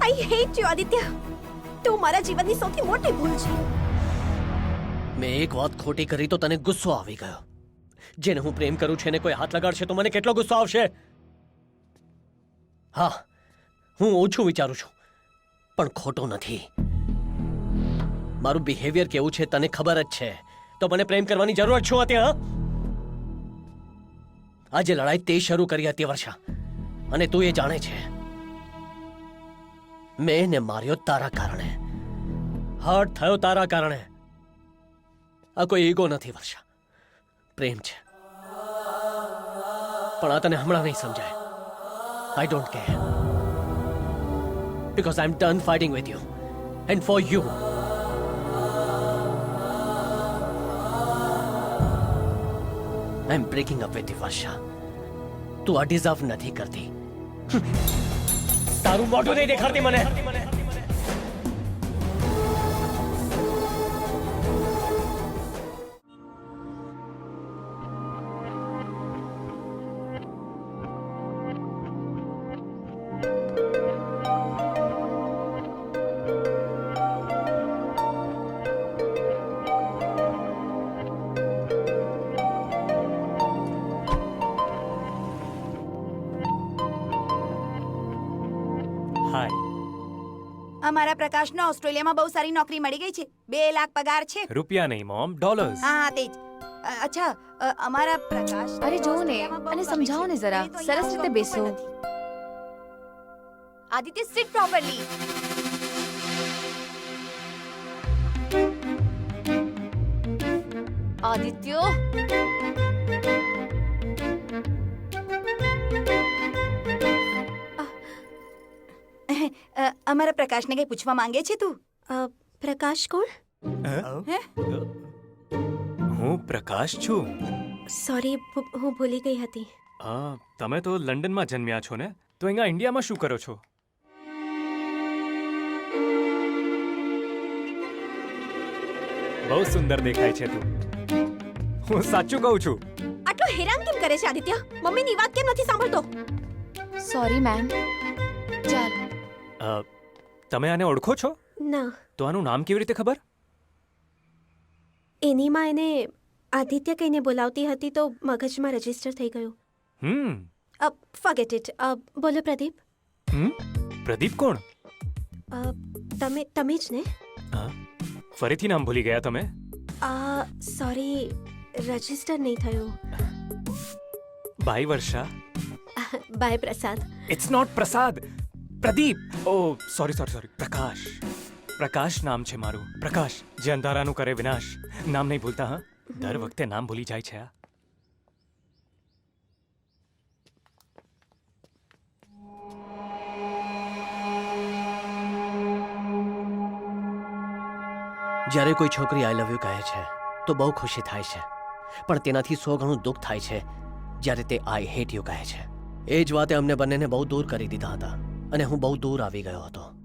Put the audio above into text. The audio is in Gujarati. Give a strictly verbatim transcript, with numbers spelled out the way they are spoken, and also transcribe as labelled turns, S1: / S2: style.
S1: I hate you Aditya. તું મારા જીવનની સૌથી મોટી ભૂલ છે.
S2: મેં એક વાત ખોટી કરી તો તને ગુસ્સો આવી ગયો. જેને હું પ્રેમ કરું છું એને કોઈ હાથ લગાડશે તો મને કેટલો ગુસ્સો આવશે. હા, હું ઓછું વિચારું છું પણ ખોટું નથી. મારું બિહેવિયર કેવું છે તને ખબર જ છે, તો મને પ્રેમ કરવાની જરૂર શું હતી? હા, આજે લડાઈ તે શરૂ કરી હતી વર્ષા, અને તું એ જાણે છે. મેં એને માર્યો તારા કારણે, હર્ટ થયો તારા કારણે. આ કોઈ ઈગો નથી વર્ષા, પ્રેમ છે. પણ આ તને હમણાં નહીં સમજાય. I don't care, because I am done fighting with you and for you. I am breaking up with you Varsha. તું આ ડિઝર્વ નથી કરતી. તારું મોઢું નહીં દેખાડતી મને.
S1: અમારા પ્રકાશને ઓસ્ટ્રેલિયામાં બહુ સારી નોકરી મળી ગઈ છે. બે લાખ પગાર છે.
S3: રૂપિયા નહીં મોમ, ડોલર્સ.
S1: હા હા તે જ. અ, અચ્છા અ, અમારા પ્રકાશ
S4: અરે જોવો ને, અને સમજાવો ને જરા. સરસ રીતે બેસો.
S1: Aditya, sit properly.
S4: આદિત્ય,
S1: અ, અમારા પ્રકાશને કઈ પૂછવા માંગે છે તું? પ્રકાશ કોણ?
S3: હે? હું પ્રકાશ છું.
S1: સોરી, હું ભૂલી ગઈ હતી.
S3: હા, તમે તો લંડનમાં જન્મ્યા છો ને, તો અહીંયા ઇન્ડિયામાં શું કરો છો? બહુ સુંદર દેખાય છે તું. હું સાચું કહું છું.
S1: આટલો હેરાન કેમ કરે છે આદિત્ય? મમ્મીની વાત કેમ નથી સાંભળતો?
S4: Sorry ma'am. ચાલ.
S3: અ, તમે આને ઓળખો છો?
S1: ના.
S3: તો આનું નામ કેવી રીતે ખબર?
S1: એની માં એને આદિત્ય કહીને બોલાવતી હતી તો મગજમાં રજીસ્ટર થઈ ગયું.
S3: હમ.
S1: Forget it. બોલો પ્રદીપ.
S3: હમ પ્રદીપ કોણ?
S1: અ, તમે તમે જ ને?
S3: હા, ફરીથી નામ ભૂલી ગયા તમે?
S1: સોરી, રજીસ્ટર નહીં થયું.
S3: Bye Varsha.
S1: Bye Prasad.
S3: It's not Prasad, Pradeep. Oh sorry sorry sorry Prakash. Prakash નામ છે મારું. પ્રકાશ, જે અંધારાનું કરે વિનાશ. નામ નહીં ભૂલતા. હા, દર વખતે નામ ભૂલી જાય છે. આ
S2: જ્યારે કોઈ છોકરી આઈ લવ યુ કહે છે તો બહુ ખુશી થાય છે, પણ તેનાથી સો ગણું દુઃખ થાય છે જ્યારે તે આઈ હેટ યુ કહે છે. એ જ વાતે અમને બંનેને બહુ દૂર કરી દીધા હતા, અને હું બહુ દૂર આવી ગયો હતો.